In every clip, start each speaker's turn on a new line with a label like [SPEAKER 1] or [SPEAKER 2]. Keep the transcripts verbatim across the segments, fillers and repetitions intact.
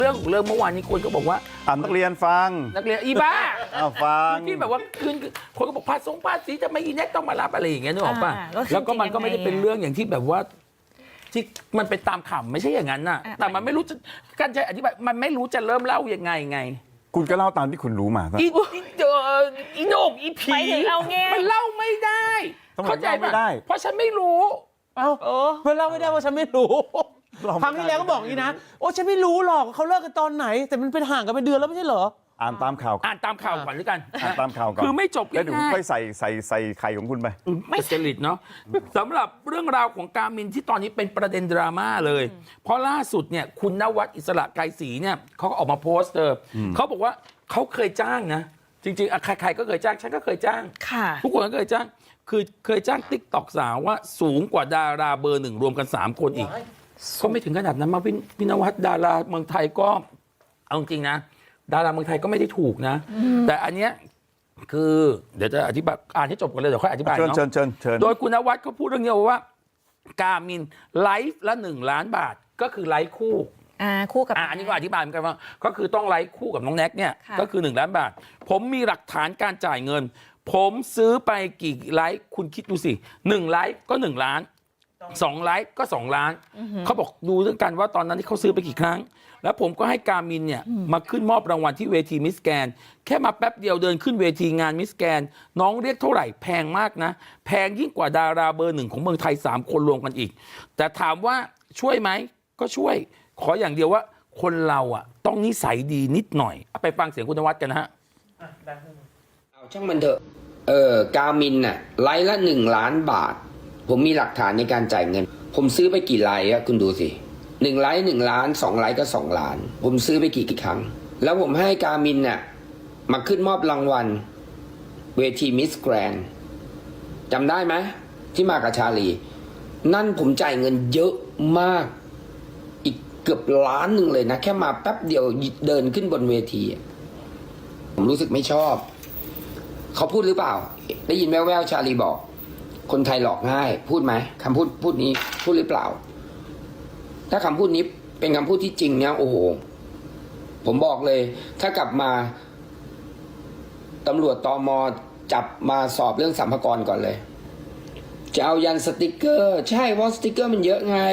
[SPEAKER 1] เรื่องของเรื่องเมื่อวานนี้คนก็บอกว่า
[SPEAKER 2] อ่านนักเรียนฟัง
[SPEAKER 1] นักเรียนอีบ้า
[SPEAKER 2] อ้าวฟัง
[SPEAKER 1] ที่แบบว่าคืนคนก็บอกภาษงภาษีจะไม่อีแน็กต้องมารับอะไรอย่างเงี้ยนึกออกป่ะแล้วก็มันก็ไม่ได้เป็นเรื่องอย่างที่แบบว่าที่มันเป็นตามข่าวไม่ใช่อย่างนั้นน่ะแต่มันไม่รู้จะการจะอธิบายมันไม่รู้จะเริ่มเล่ายังไงไง
[SPEAKER 2] คุณก็เล่าตามที่คุณรู้มา
[SPEAKER 1] อีเจออีโหนกอีผีมันเล่าไม่ได้เข้าใจป่ะเพราะฉันไม่รู้
[SPEAKER 3] เอ้าเพื่อนเล่าไม่ได้ว่าฉันไม่รู้ครั้งที่แล้วก็บอกอย่างนี้นะโอ้ฉันไม่รู้หรอกเขาเลิกกันตอนไหนแต่มันเป็นห่างกันเป็นเดือนแล้วไม่ใช่เหรอ
[SPEAKER 2] อ่านตามข่าว
[SPEAKER 1] อ่านตามข่าวก่อนหรือกัน
[SPEAKER 2] อ่านตามข่าวก่อน
[SPEAKER 1] คือไม่จบ
[SPEAKER 2] แล้วเดี๋ยวผมค่อยใส่ใส่ใส่ไข่ของคุณไป
[SPEAKER 1] ไม่จริตเนาะสำหรับเรื่องราวของการมินที่ตอนนี้เป็นประเด็นดราม่าเลยเพราะล่าสุดเนี่ยคุณนวัดอิสระไกรศรีเนี่ยเขาก็ออกมาโพสต์เออเขาบอกว่าเขาเคยจ้างนะจริงๆใครๆก็เคยจ้างฉันก็เคยจ้างทุกคนก็เคยจ้างคือเคยจ้างติ๊กต็อกสาวว่าสูงกว่าดาราเบอร์หนึ่งรวมกันสามคนอีกก็ไม่ถึงขนาดนั้นมาพี่นวัดดาราเมืองไทยก็เอาจริงนะดาราเมืองไทยก็ไม่ได้ถูกนะแต่อันเนี้ยคือเดี๋ยวจะอธิบายอ่านให้จบกันเลยเดี๋ยวค่อยอธิบายเนาะ
[SPEAKER 2] เชิญเชิญเชิญ
[SPEAKER 1] โดยคุณนวัดเขาพูดเรื่องนี้ว่าการมินไลฟ์ละหนึ่งล้านบาทก็คือไลฟ์คู่
[SPEAKER 4] อ่าคู่กับ
[SPEAKER 1] อ่าอันนี้ก็อธิบายเหมือนกันว่าก็คือต้องไลฟ์คู่กับน้องแน็กเนี่ยก็คือหนึ่งล้านบาทผมมีหลักฐานการจ่ายเงินผมซื้อไปกี่ไลฟ์คุณคิดดูสิหนึ่งไลฟ์ก็หนึ่งล้านสองไลฟ์ก็สองล้านเขาบอกดูเรื่องกันว่าตอนนั้นที่เขาซื้อไปกี่ครั้งแล้วผมก็ให้การมินเนี่ยมาขึ้นมอบรางวัลที่เวทีมิสแกนแค่มาแป๊บเดียวเดินขึ้นเวทีงานมิสแกนน้องเรียกเท่าไหร่แพงมากนะแพงยิ่งกว่าดาราเบอร์หนึ่งของเมืองไทยสามคนรวมกันอีกแต่ถามว่าช่วยไหมก็ช่วยขออย่างเดียวว่าคนเราอ่ะต้องนิสัยดีนิดหน่อยไปฟังเสียงคุณนวัดกันนะฮะ
[SPEAKER 5] เอาช่างมันเถอะเออกามินน่ะไลฟ์ละหนึ่งล้านบาทผมมีหลักฐานในการจ่ายเงินผมซื้อไปกี่ไลฟ์อะคุณดูสิหนึ่งไลฟ์หนึ่งล้านสองไลฟ์ก็สองล้านผมซื้อไปกี่กี่ครั้งแล้วผมให้กามินน่ะมาขึ้นมอบรางวัลเวทีมิสแกรนด์จำได้ไหมที่มากับชาลีนั่นผมจ่ายเงินเยอะมากอีกเกือบล้านหนึ่งเลยนะแค่มาแป๊บเดียวเดินขึ้นบนเวทีผมรู้สึกไม่ชอบเขาพูดหรือเปล่าได้ยินแว่วๆชาลีบอกคนไทยหลอกง่ายพูดไหมคำพูดพูดนี้พูดหรือเปล่าถ้าคำพูดนี้เป็นคำพูดที่จริงเนี่ยโอ้โหผมบอกเลยถ้ากลับมาตำรวจตม.จับมาสอบเรื่องสัมภาระก่อนเลยจะเอายันสติกเกอร์ใช่เพราะสติกเกอร์มันเยอะไง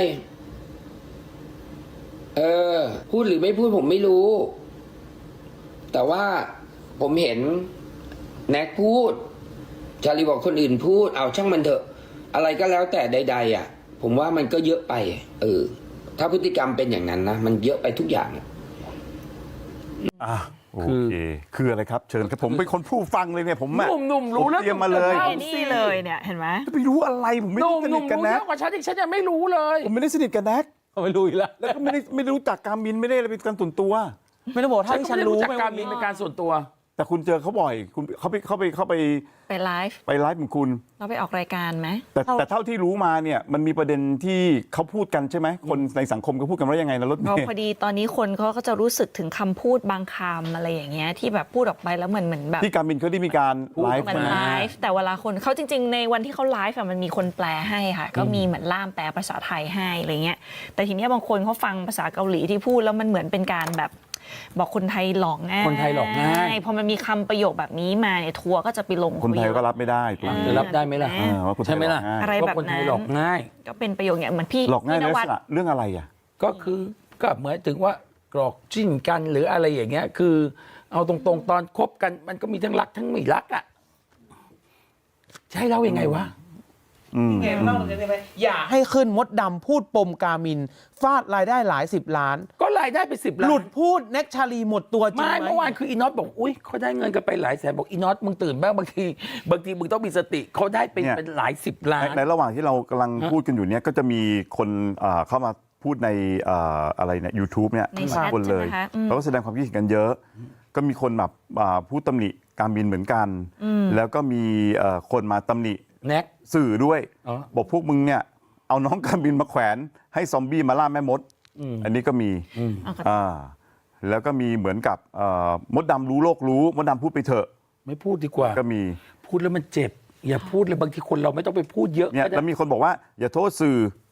[SPEAKER 5] เออพูดหรือไม่พูดผมไม่รู้แต่ว่าผมเห็นแน็กพูดชาลีบอกคนอื่นพูดเอาช่างมันเถอะอะไรก็แล้วแต่ใดๆอ่ะผมว่ามันก็เยอะไปเออถ้าพฤติกรรมเป็นอย่างนั้นนะมันเยอะไปทุกอย่าง
[SPEAKER 2] อ่ะโอเคคืออะไรครับเชิญครับผมเป็นคนผู้ฟังเลยเนี่ยผม
[SPEAKER 1] หนุ่มหนุ่มรู้แล้ว
[SPEAKER 2] เตรียมมาเลย
[SPEAKER 4] นี่เลยเนี่ยเห็นไหม
[SPEAKER 2] จะไปรู้อะไรผมไม่ได้สนิทกันแน็ก
[SPEAKER 1] กว่าฉันอีกฉันยังไม่รู้เลย
[SPEAKER 2] ผมไม่ได้สนิทกันแน็ก
[SPEAKER 3] เขาไม่รู้อีกแล้ว
[SPEAKER 2] แล้วก็ไม่ได้ไม่รู้จักการมินไม่ได้อะไรเป็นการส่วนตัว
[SPEAKER 3] ไม่ได้บอกถ้าที่ฉันรู้
[SPEAKER 1] จักการมินเป็นการส่วนตัว
[SPEAKER 2] แต่คุณเจอเขาบ่อยคุณเขาไปเขาไปเขาไป
[SPEAKER 4] ไปไลฟ์
[SPEAKER 2] ไปไลฟ์ของคุณ
[SPEAKER 4] เราไปออกรายการไหม
[SPEAKER 2] แต่แต่เท่าที่รู้มาเนี่ยมันมีประเด็นที่เขาพูดกันใช่ไหมคนในสังคมเขาพูดกันว่ายังไงนะรถเม
[SPEAKER 4] ล์พอดีตอนนี้คนเขาก็จะรู้สึกถึงคำพูดบางคำอะไรอย่างเงี้ยที่แบบพูดออกไปแล้วเหมือนเหมือนแบบ
[SPEAKER 2] ที่การบินเขาได้มีการไลฟ์
[SPEAKER 4] มันไลฟ์แต่เวลาคนเขาจริงๆในวันที่เขาไลฟ์มันมีคนแปลให้ค่ะก็มีเหมือนล่ามแปลภาษาไทยให้อะไรเงี้ยแต่ทีนี้บางคนเขาฟังภาษาเกาหลีที่พูดแล้วมันเหมือนเป็นการแบบบอกคนไทยหลอกง่าย
[SPEAKER 1] คนไทยหลอกง่าย
[SPEAKER 4] พอมันมีคำประโยคแบบนี้มาเนี่ยทัวร์ก็จะไปลง
[SPEAKER 2] คนไทยก็รับไม่ได้
[SPEAKER 1] จะรับได้ไหมล่ะใช่ไหมล่ะ
[SPEAKER 4] อะไรแบบ
[SPEAKER 1] นั้นหลอกง่าย
[SPEAKER 4] ก็เป็นประโยคเนี่ยเหมือนพี่
[SPEAKER 2] หลอกง่ายในลักษณะเรื่องอะไรอ่ะ
[SPEAKER 1] ก็คือก็เหมือนถึงว่ากรอกจิ้นกันหรืออะไรอย่างเงี้ยคือเอาตรงๆตอนคบกันมันก็มีทั้งรักทั้งไม่รักอ่ะใช่เล่ายังไงวะ
[SPEAKER 3] ไงเล่าเลยได้ไหมอย่าให้ขึ้นมดดำพูดปมกามินฟาดรายได้หลายสิบล้าน
[SPEAKER 1] ก็รายได้ไปสิบล้าน
[SPEAKER 3] หลุดพูดแน็กชาลีหมดตัวจริงไหม
[SPEAKER 1] ไม่เมื่อวานคืออีน็อตบอกอุ้ยเขาได้เงินกันไปหลายแสนบอกอีน็อตมึงตื่นบ้างบางทีบางทีมึงต้องมีสติเขาได้เป็นเป็นหลายสิบล้าน
[SPEAKER 2] ในระหว่างที่เรากำลังพูดกันอยู่เนี้ยก็จะมีคนเข้ามาพูดในอะไรเนี่ย YouTube เนี่ยคนเลยเขาก็แสดงความคิดเห็นกันเยอะก็มีคนแบบพูดตำหนิการบินเหมือนกันแล้วก็มีคนมาตำหนิ
[SPEAKER 1] แน็ก
[SPEAKER 2] สื่อด้วยบอกพวกมึงเนี่ยเอาน้องการบินมาแขวนให้ซอมบี้มาล่าแม่มดอันนี้ก็มีอ่าแล้วก็มีเหมือนกับมดดำรู้โลกรู้มดดำพูดไปเถอะ
[SPEAKER 1] ไม่พูดดีกว่า
[SPEAKER 2] ก็มี
[SPEAKER 1] พูดแล้วมันเจ็บอย่าพูดเลยบางทีคนเราไม่ต้องไปพูดเยอะ
[SPEAKER 2] เนี่ยแล้วมีคนบอกว่าอย่าโทษสื่อ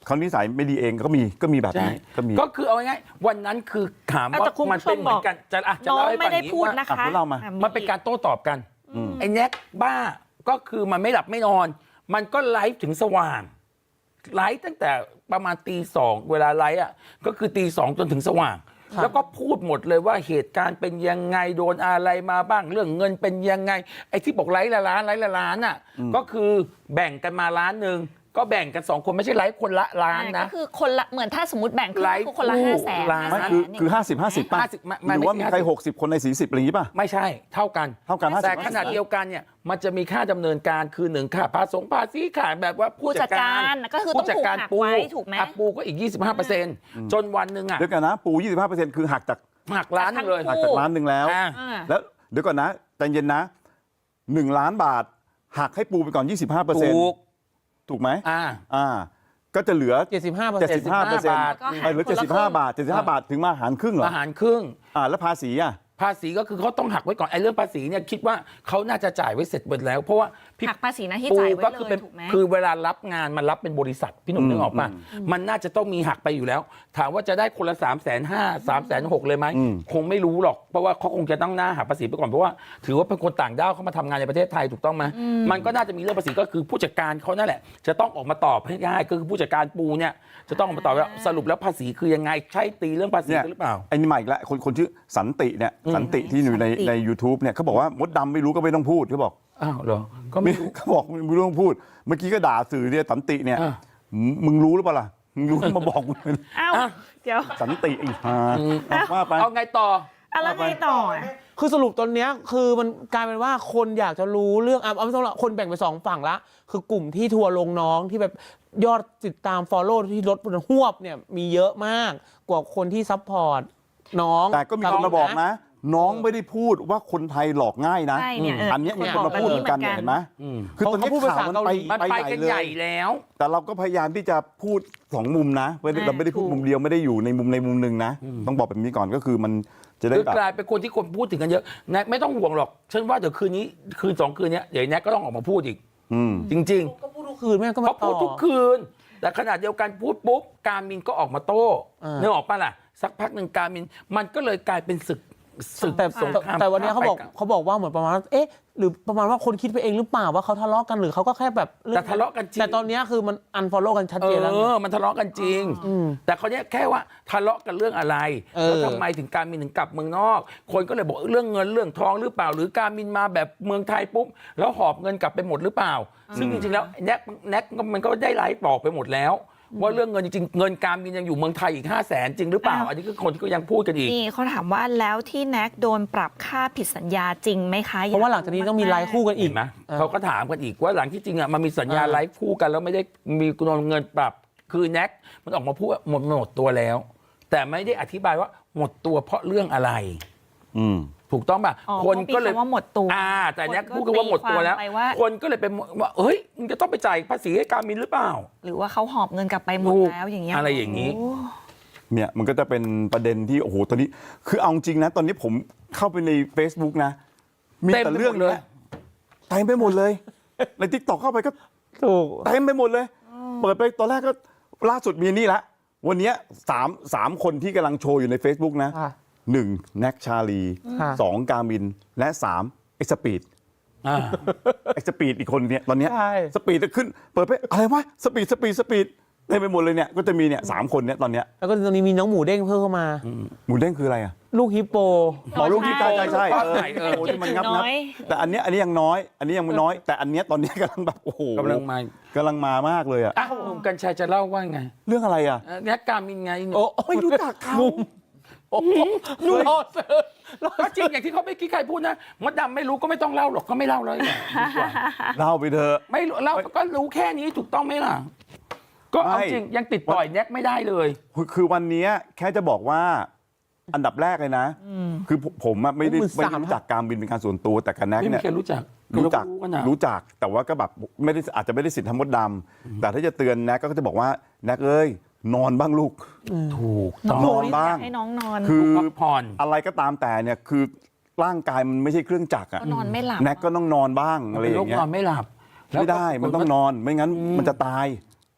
[SPEAKER 2] เขานิสัยไม่ดีเองก็มีก็มีแบบ
[SPEAKER 1] ใช่
[SPEAKER 2] นี้ก็มี
[SPEAKER 1] ก็คือเอาง่ายๆวันนั้นคือถาม
[SPEAKER 4] อ่ะ
[SPEAKER 1] ว่า
[SPEAKER 4] แต่คุณ
[SPEAKER 1] มัน
[SPEAKER 4] ผู้ช
[SPEAKER 1] เป็
[SPEAKER 4] ม
[SPEAKER 1] นเหมือนกันจะอ่ะจะ
[SPEAKER 4] น้อง
[SPEAKER 1] เล่าให้
[SPEAKER 4] ไม่
[SPEAKER 1] ฟังอ
[SPEAKER 4] ได้
[SPEAKER 1] ย่าง
[SPEAKER 4] พู
[SPEAKER 1] นี้
[SPEAKER 4] ด
[SPEAKER 1] ว่า
[SPEAKER 4] นะคะ
[SPEAKER 2] อ่ะคุณเล่ามา
[SPEAKER 4] อ่ะ
[SPEAKER 1] มันเป็นการโต้ตอบกัน
[SPEAKER 2] อืม
[SPEAKER 1] ไอ้แน็กบ้าก็คือมันไม่หลับไม่นอน มันก็ไลฟ์ถึงสว่างไลฟ์ตั้งแต่ประมาณตีสองเวลาไลฟ์อ่ะก็คือตีสองจนถึงสว่าง แล้วก็พูดหมดเลยว่าเหตุการณ์เป็นยังไงโดนอะไรมาบ้างเรื่องเงินเป็นยังไงไอ้ที่บอกไลฟ์ละล้านไลฟ์ละล้านอ่ะก็คือแบ่งกันมาล้านหนึ่งก็แบ่งกันสองคนไม่ใช่ไลฟ์คนละล้าน
[SPEAKER 4] อ่า
[SPEAKER 1] นะ
[SPEAKER 4] ก็คือคนละเหมือนถ้าสมมติแบ่งครึ่ง
[SPEAKER 1] ไลฟ์
[SPEAKER 4] ก็คือคนละ
[SPEAKER 1] คู่
[SPEAKER 4] ห้าแสน
[SPEAKER 1] ล้าน
[SPEAKER 2] ไม่คือคือห้าสิบห้าสิบป่ะ
[SPEAKER 1] ห้าสิบไม่ไม่
[SPEAKER 2] หรือว่า
[SPEAKER 1] ไม่
[SPEAKER 2] มี
[SPEAKER 1] ใช่
[SPEAKER 2] ใครหกสิบคนในสี่สิบอะไรอย่างงี้ป่ะ
[SPEAKER 1] ไม่ใช่เท่ากัน
[SPEAKER 2] เท่ากันห้าสิบ
[SPEAKER 1] แต่ขนาดเดียวกันเนี่ยมันจะมีค่าดำเนินการคือหนึ่งค่าภาษีภาษีค่าแบบว่าผู้จัดการ
[SPEAKER 4] ผู้จัดการก็คือต้อง
[SPEAKER 1] ผู้จัดการ
[SPEAKER 4] ถูกหัก
[SPEAKER 1] ปู
[SPEAKER 4] ไว้ถูกไหม
[SPEAKER 1] อ่ะปูก็อีก ยี่สิบห้าเปอร์เซ็นต์ จนวันหนึ่งอ่ะ
[SPEAKER 2] เดี๋ยวกันนะปู ยี่สิบห้าเปอร์เซ็นต์ คือหักจาก
[SPEAKER 1] หักล้านหนึ่งเลย
[SPEAKER 2] หักจากล้านหนึ่งแล้ว
[SPEAKER 1] อ่า
[SPEAKER 4] อ่า
[SPEAKER 2] แล้วเดี๋ยวก่อนนะใจเย็นนะหนึ่งล้านบาทหักให้ปูไปก่อน ยี่สิบห้าเปอร์เซ็นต์
[SPEAKER 1] ถูก
[SPEAKER 2] ถูกไหม
[SPEAKER 1] อ่า
[SPEAKER 2] อ่าก็จะเหลือ
[SPEAKER 3] เจ็ดสิบห้าเปอร์เซ็นต์
[SPEAKER 2] เจ็ดสิบห้าเปอร์เซ็นต์
[SPEAKER 1] บาท
[SPEAKER 2] หรือเจ็ดสิบห้าบาทเจ็ดสิบห้าบาทถึงมาหารครึ่งเหรอ
[SPEAKER 1] อาหารครึ่ง
[SPEAKER 2] อ่าแล้วภาษีอ่ะ
[SPEAKER 1] ภาษีก็คือเขาต้องหักไว้ก่อนไอ้เรื่องภาษีเนี่ยคิดว่าเขาน่าจะจ่ายไว้เสร็จหมดแล้ว เพราะว่าพี่
[SPEAKER 4] หักภาษีหน้าที่
[SPEAKER 1] ปู
[SPEAKER 4] จ่ายไว้
[SPEAKER 1] ก็
[SPEAKER 4] เล
[SPEAKER 1] คือย เป็น
[SPEAKER 4] ถูกไหม
[SPEAKER 1] คือเวลารับงานมันรับเป็นบริษัทพี่หนุ่ม
[SPEAKER 2] อืม
[SPEAKER 1] นึกออกป่ะมันน่าจะต้องมีหักไปอยู่แล้ว ถามว่าจะได้คนละสามแสนห้าสามแสนหกเลยไหม
[SPEAKER 2] อืม
[SPEAKER 1] คงไม่รู้หรอกเพราะว่าเขาคงจะต้องหน้าหักภาษีไปก่อนเพราะว่าถือว่าเป็นคนต่างด้าวเขามาทำงานในประเทศไทยถูกต้องไหมมันก็น่าจะมีเรื่องภาษีก็คือผู้จัดการเขานั่นแหละ จะต้องออกมาตอบให้ได้ก็คือผู้จัดการปูเนี่ยจะต้องออกมาตอบว่าสรุปแล้วภาษีคือยังไงใช่ตีเรื่องภาษีกันหรือเปล่า
[SPEAKER 2] ไอ้นี่มาอีกแล้วคนคนชื่อสันติเนี่ยสันติที่อยู่ใน
[SPEAKER 4] สันติ
[SPEAKER 2] ใน YouTube เนี่ยเขาบอกว่ามดดำไม่รู้ก็ไม่ต้องพูดเขาบอก
[SPEAKER 1] อ้าวเหรอก็ไม่รู้
[SPEAKER 2] เขาบอกไม่ต้องพูด เมื่อกี้ก็ด่าสื่อเนี่ยสันติเนี่ย
[SPEAKER 1] อ่ะ
[SPEAKER 2] มึงมึงรู้หรือเปล่าล่ะมึงรู้มาบอกกูเลย
[SPEAKER 4] อ้าว
[SPEAKER 1] อ่ะ
[SPEAKER 4] เดี๋ยว
[SPEAKER 2] สันติไอ้ห่า
[SPEAKER 1] อืม
[SPEAKER 2] เอาว่าไป
[SPEAKER 1] เอาไงต่อ
[SPEAKER 4] อะไรไงต่ออ่ะ
[SPEAKER 3] คือสรุปตอนเนี้ยคือมันกลายเป็นว่าคนอยากจะรู้เรื่องอ่ะเอาไม่ต้องละคนแบ่งไปสองฝั่งละคือกลุ่มที่ทัวร์ลงน้องที่แบบยอดติดตาม follow ที่ลดบนหวบเนี่ยมีเยอะมากกว่าคนที่ซัพพอร์ตน้อง
[SPEAKER 2] แต่ก็มีคนมาบอกนะ น้องไม่ได้พูดว่าคนไทยหลอกง่ายนะ
[SPEAKER 4] ใช่เนี่ยเอออั
[SPEAKER 2] อันเนี้ยมีคนมาพูดเหมือนกันเนี่ยเห็นไหม
[SPEAKER 1] อืม
[SPEAKER 2] คือตอนนี้
[SPEAKER 3] เขาพูดภา
[SPEAKER 2] ข่า
[SPEAKER 3] ษาว
[SPEAKER 2] มัน
[SPEAKER 3] เกา
[SPEAKER 2] ไป
[SPEAKER 3] หลี
[SPEAKER 1] มันไปกันใหญ่
[SPEAKER 2] เลย
[SPEAKER 1] แล้ว
[SPEAKER 2] แต่เราก็พยายามที่จะพูดสองมุมนะไม่ได้เราไม่ได้พูดมุมเดียวไม่ได้อยู่ในมุมในมุมหนึ่งนะ ต้องบอกแบบนี้ก่อนก็คือมันจะได้
[SPEAKER 1] คือ
[SPEAKER 2] แบบ
[SPEAKER 1] กลายเป็นคนที่คนพูดถึงกันเยอะแน็กไม่ต้องห่วงหรอก ฉันว่าเดี๋ยวคืนนี้คืนสองคืนเนี้ยเดี๋ยวแน็กก็ต้องออกมาพูดอีก
[SPEAKER 2] อืม
[SPEAKER 1] จริง
[SPEAKER 3] ก็พูดทุกคืนแม่ก็
[SPEAKER 1] ๆ
[SPEAKER 3] มา
[SPEAKER 1] เขา
[SPEAKER 3] ต่
[SPEAKER 1] พู
[SPEAKER 3] อ
[SPEAKER 1] ดทุกคืน แต่ขนาดเดียวกันพูดปุ๊บการมินก็ออกมาโต้
[SPEAKER 3] อ่า
[SPEAKER 1] นึกออกปะล่ะ สักพักหนึ่งการมินมันก็เลยกลายเป็นศึกศึก
[SPEAKER 3] แต่
[SPEAKER 1] สงคราม
[SPEAKER 3] แต่วันนี้เขาบอก
[SPEAKER 1] ไปน
[SPEAKER 3] เขาบอกว่าเหมือนประมาณว่าเอ๊ะหรือประมาณว่าคนคิดไปเองหรือเปล่าว่าเขาทะเลาะกันหรือเขาก็แค่แบบรื่อง
[SPEAKER 1] แต่ทะเลาะกันจริง
[SPEAKER 3] แต่ตอนเนี้ยคือมันอันฟอลโล่กันชัด
[SPEAKER 1] เอ
[SPEAKER 3] เจนแล้วไง
[SPEAKER 1] อ มันทะเลาะกันจริง
[SPEAKER 3] ม
[SPEAKER 1] แต่เขาเนี้ยแค่ว่าทะเลาะกันเรื่องอะไร
[SPEAKER 3] เออ
[SPEAKER 1] แล้วทำไมถึงการมินถึงกลับเมืองนอก คนก็เลยบอกเรื่องเงินเรื่องทองหรือเปล่า หรือการมินมาแบบเมืองไทยปุ๊บแล้วหอบเงินกลับไปหมดหรือเปล่า ซึ่งจริงๆแล้วแน็กแน็กมันก็ได้ไลฟ์บอกไปหมดแล้ว ว่าเรื่องเงินจริงๆเงินการมินยังอยู่เมืองไทยอีกห้าแสนจริงหรือเปล่า
[SPEAKER 4] อ้าว
[SPEAKER 1] อันนี้คือคนที่ก็ยังพูดกันอีก
[SPEAKER 4] นี่เขาถามว่าแล้วที่แน็กโดนปรับค่าผิดสัญญาจริงไหมคะ
[SPEAKER 3] เพราะว่าหลังจากนี้ต้องมีไลฟ์คู่กันอี
[SPEAKER 1] เห็
[SPEAKER 3] ก
[SPEAKER 1] นไหม
[SPEAKER 3] เออ
[SPEAKER 1] เขาก็ถามกันอีกว่าหลังที่จริงอ่ะมันมีสัญญา
[SPEAKER 3] อ่า
[SPEAKER 1] ไลฟ์คู่กันแล้วไม่ได้มีเงินปรับคือแน็กมันออกมาพูดว่าหมดหมดตัวแล้ว แต่ไม่ได้อธิบายว่าหมดตัวเพราะเรื่องอะไร
[SPEAKER 2] อืม
[SPEAKER 1] ถูกต้องป่ะ
[SPEAKER 4] อ๋อ
[SPEAKER 1] คนก็เลย
[SPEAKER 4] พราะมีำว่าหมดตัว
[SPEAKER 1] อ่า แต่แน็ก
[SPEAKER 4] คนก็
[SPEAKER 1] พูดกันว่าหมดตัวแล้ว
[SPEAKER 4] ตีความไปว่า
[SPEAKER 1] คนก็เลยเป็นว่าเฮ้ยมึงจะต้องไปจ่ายภาษีให้การมินหรือเปล่า
[SPEAKER 4] หรือว่าเขาหอบเงินกลับไปหมด
[SPEAKER 1] ถูก
[SPEAKER 4] แล้วอย่างเงี้ย
[SPEAKER 1] อะไรอย่างนี้
[SPEAKER 4] โ
[SPEAKER 2] เนี่ยมันก็จะเป็นประเด็นที่โอ้โหตอนนี้ คือเอาจริงนะ ตอนนี้ผมเข้าไปใน Facebook นะ มี
[SPEAKER 1] เต็ม
[SPEAKER 2] แต่
[SPEAKER 1] ไปหมด
[SPEAKER 2] เรื่องเนี้ยเต็มไปหมดเลย ในทิกตอกเข้าไปก็
[SPEAKER 3] ถูก
[SPEAKER 2] เต็มไปหมดเลย เปิดไปตอนแรกก็ล่าสุดมีนี่ละ วันเนี้ยสามสามคนที่กำลังโชว์อยู่ใน Facebook นะ
[SPEAKER 3] ค่ะ
[SPEAKER 2] หนึ่งแน็กชาลี
[SPEAKER 3] ค่ะ
[SPEAKER 2] สองกามิน และสามเอ็กซ์สปีด
[SPEAKER 1] อ่า
[SPEAKER 2] เอ็กซ์สปีดอีกคนเนี่ยตอนเนี้ย
[SPEAKER 3] ใช่
[SPEAKER 2] สปีดจะขึ้น เปิดไปอะไรวะสปีดสปีดสปีดเต็มไปหมดเลยเนี่ยก็จะมีเนี่ยสามคนเนี่ยตอนเนี้ย
[SPEAKER 3] แล้วก็ตอนนี้มีน้องหมูเด้งเพิ่มเข้ามา
[SPEAKER 2] หมูเด้งคืออะไรอ่ะ
[SPEAKER 3] ลูกฮิปโป
[SPEAKER 2] หมอลูกที่ใช่ใช่ใช่
[SPEAKER 1] ใช่
[SPEAKER 2] เออ
[SPEAKER 1] ใช่เออ
[SPEAKER 2] โอ้ที่มันงับ
[SPEAKER 4] น้
[SPEAKER 2] งับ
[SPEAKER 4] อย
[SPEAKER 2] แต่อันเนี้ยอันนี้ยังน้อย อันนี้ยังไม่น้อย แต่อันเนี้ยตอนเนี้ยกำลังแบบโอ้โห
[SPEAKER 1] กำลังมา
[SPEAKER 2] กำลังมามากเลยอ่ะ
[SPEAKER 1] อ้าวหนุ่มกัญชัยจะเล่าว่าไง
[SPEAKER 2] เรื่องอะไรอ่ะ
[SPEAKER 1] เอ่อแน็กการมินไง
[SPEAKER 3] โอ้
[SPEAKER 2] ไม่รู้จักเขา
[SPEAKER 3] โอ้โหนุ่มรอเซอร์
[SPEAKER 1] ก็จริงอย่างที่เขาไม่คิดใครพูดนะมดดำไม่รู้ก็ไม่ต้องเล่าหรอกก็ไม่เล่าเลยดีกว่า
[SPEAKER 2] เล่าไปเถอะ
[SPEAKER 1] ไม่รู้เล่าก็รู้แค่นี้ถูกต้องไหมล่ะ ก็เอา
[SPEAKER 2] ไม่
[SPEAKER 1] จริงยังติดต่อยแน็กไม่ได้เลย
[SPEAKER 2] คือคือวันเนี้ยแค่จะบอกว่าอันดับแรกเลยนะ คือผมผมอะไม่ได้
[SPEAKER 3] หมื่น
[SPEAKER 2] ไม่
[SPEAKER 3] สาม
[SPEAKER 2] ได้รู้จักการบินเป็นการส่วนตัวแต่กับแน็ก
[SPEAKER 1] ไม่มี
[SPEAKER 2] เนี่ย
[SPEAKER 1] ใครรู้จัก
[SPEAKER 2] รู้จัก
[SPEAKER 1] กันนะ
[SPEAKER 2] รู้จักแต่ว่าก็แบบไม่ได้อาจจะไม่ได้สิทธิ์ทำมดดำแต่ถ้าจะเตือนแน็กก็จะบอกว่าแน็กเอ้ยนอนบ้างลูก
[SPEAKER 1] ถูก
[SPEAKER 4] น้
[SPEAKER 1] ต้
[SPEAKER 4] อ
[SPEAKER 1] อง ง
[SPEAKER 2] นอนบ้าง
[SPEAKER 4] อยกให้น้องนอน
[SPEAKER 2] คือ
[SPEAKER 1] พักผ่อน
[SPEAKER 2] อะไรก็ตามแต่เนี่ยคือร่างกายมันไม่ใช่เครื่องจักรอะ
[SPEAKER 4] ก็นอนไม่หลับ
[SPEAKER 2] แน็กก็ต้องนอนบ้างอะไรอ
[SPEAKER 1] เป็นโร
[SPEAKER 2] ย่า
[SPEAKER 1] ค
[SPEAKER 2] งเงี้
[SPEAKER 1] น
[SPEAKER 2] ย
[SPEAKER 1] อนไม่หลับแล้ว
[SPEAKER 2] ไม่ได้มันต้องนอนไม่งั้นมันจะตาย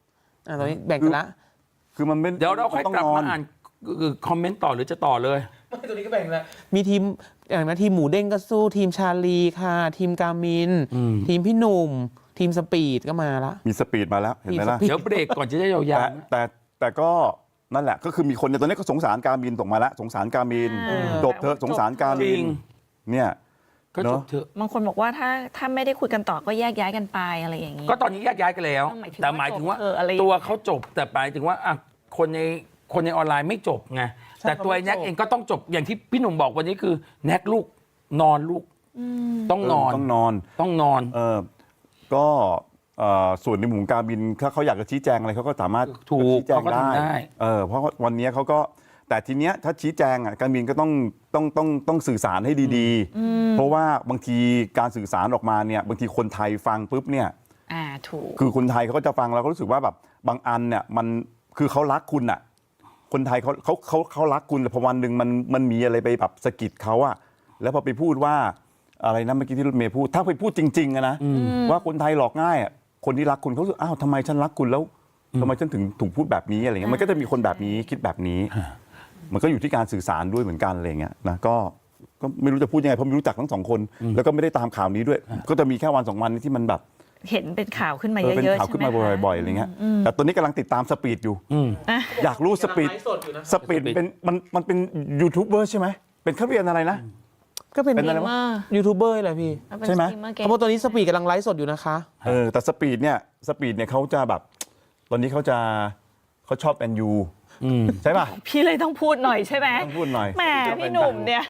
[SPEAKER 3] อ่าตอนนี้แบ่งกันละ
[SPEAKER 2] คือมันไม่
[SPEAKER 1] เดี๋ยวเราค่อย
[SPEAKER 2] ต้
[SPEAKER 1] กลับ
[SPEAKER 2] น
[SPEAKER 1] มาอ่านคอมเมนต์ต่อหรือจะต่อเลย
[SPEAKER 3] ไม่ตัวนี้ก็แบ่งแล้วมีทีมอย่างนะทีมหมูเด้งก็สู้ทีมชาลีค่ะ ทีมกามิน
[SPEAKER 1] อืม
[SPEAKER 3] ทีมพี่หนุ่ม ทีมสปีดก็มาละ
[SPEAKER 2] มีสปีดมาแล้วเห็นไหมล่ะ
[SPEAKER 3] มีสปี
[SPEAKER 1] เดี๋ยวเบรกก่อนจะได้ยาว
[SPEAKER 2] แต่
[SPEAKER 1] ๆ
[SPEAKER 2] แต่แต่ก็นั่นแหละก็คือมีคนในยตอนนี้ก็สงสารการบินส่งมาแล้วสงสารการบิน
[SPEAKER 4] อ่า
[SPEAKER 2] จบเถอะสงสารการ
[SPEAKER 1] จ
[SPEAKER 2] บิ
[SPEAKER 1] ริ
[SPEAKER 2] น
[SPEAKER 1] ง
[SPEAKER 2] เนี่ย
[SPEAKER 1] ก็จบเถอะ
[SPEAKER 4] บางคนบอกว่าถ้าถ้าไม่ได้คุยกันต่อก็แยกย้ายกันไปอะไรอย่างนี้
[SPEAKER 1] ก็ตอนนี้แยกย้ายกันแล้ว
[SPEAKER 4] หมายถึง
[SPEAKER 1] แต่หมายถึงว่า
[SPEAKER 4] ว่าจบเอออะไรอย่างเงี้ย
[SPEAKER 1] ตัวเขาจบแต่หมายถึงว่าอ่ะคนในคนในออนไลน์ไม่จบไง
[SPEAKER 3] ใช่
[SPEAKER 1] แต่ตัวไอ้แน็ก
[SPEAKER 3] เขาไม่จบ
[SPEAKER 1] เองก็ต้องจบอย่างที่พี่หนุ่มบอกวันนี้คือแน็กลูกนอนลูกต้องนอน
[SPEAKER 2] เต้องนอน
[SPEAKER 1] ต้องนอน
[SPEAKER 2] เออก็เอ่อส่วนในหมู่ของการบินถ้าเขาอยากจะชี้แจงอะไรเขาก็สามารถ
[SPEAKER 1] ถูก
[SPEAKER 2] ชี้แจง
[SPEAKER 1] เขาก็
[SPEAKER 2] ได้
[SPEAKER 1] ทำได้
[SPEAKER 2] เออเพราะว่าวันนี้เขาก็แต่ทีเนี้ยถ้าชี้แจงอ่ะการบินก็ต้องต้องต้องต้องสื่อสารให้ดีๆ เพราะว่าบางทีการสื่อสารออกมาเนี่ยบางทีคนไทยฟังปุ๊บเนี่ย
[SPEAKER 4] อ่าถูก
[SPEAKER 2] คือคนไทยเขาก็จะฟังแล้วก็รู้สึกว่าแบบบางอันเนี่ยมันคือเขารักคุณอ่ะคนไทยเขาเขาเขาเขารักคุณแต่พอวันหนึ่งมันมันมีอะไรไปแบบสะกิดเขาอะแล้วพอไปพูดว่าอะไรนะเมื่อกี้ที่รถเมย์พูดถ้าไปพูดจริงๆอะนะว่าคนไทยหลอกง่ายอะคนที่รักคุณเขารู้สึกอ้าวทำไมฉันรักคุณแล้วทำไมฉันถึงถูกพูดแบบนี้อะไรเงี้ยมันก็จะมีคนแบบนี้คิดแบบนี้ มันก็อยู่ที่การสื่อสารด้วยเหมือนกันอะไรเงี้ยนะก็ก็ไม่รู้จะพูดยังไงเพราะไม่รู้จักทั้งสองคน แล้วก็ไม่ได้ตามข่าวนี้ด้วย ก็จะมีแค่วันสองวันนี้ที่มันแบบ
[SPEAKER 4] เห็นเป็นข่าวขึ้นมา
[SPEAKER 2] เอ
[SPEAKER 4] เย
[SPEAKER 2] อ
[SPEAKER 4] อะๆ
[SPEAKER 2] เป็น
[SPEAKER 4] ใช่ไหม
[SPEAKER 2] ข่าวขึ้นมา
[SPEAKER 4] คะ
[SPEAKER 2] บ่อยๆอะไรเงี้ยแต่ตอนนี้กำลังติดตามสปีดอยู่
[SPEAKER 1] อืม
[SPEAKER 2] อยากรู้สปีด
[SPEAKER 3] กำลังไลฟ์สดอยู่นะ
[SPEAKER 2] สปีดเป็นมันมันเป็นยูทูบเบอร์ใช่ไหมเป็นเขาเรียนอะไรนะ
[SPEAKER 3] ก็เป็น
[SPEAKER 2] เป็นอะไรวะ
[SPEAKER 3] ยูทูบเบอร์แหละพี่
[SPEAKER 2] ใช่ไหม
[SPEAKER 3] เพราะว่าตอนนี้สปีดกำลังไลฟ์สดอยู่นะคะ
[SPEAKER 2] เออแต่สปีดเนี่ยสปีดเนี่ยเขาจะแบบ ตอนนี้เขาจะเขาชอบแอนยูใช่ป่ะ
[SPEAKER 4] พี่เลยต้องพูดหน่อยใช่ไหม
[SPEAKER 2] ต้องพูดหน่อย
[SPEAKER 4] แหมพี่หนุ่มเนี่ย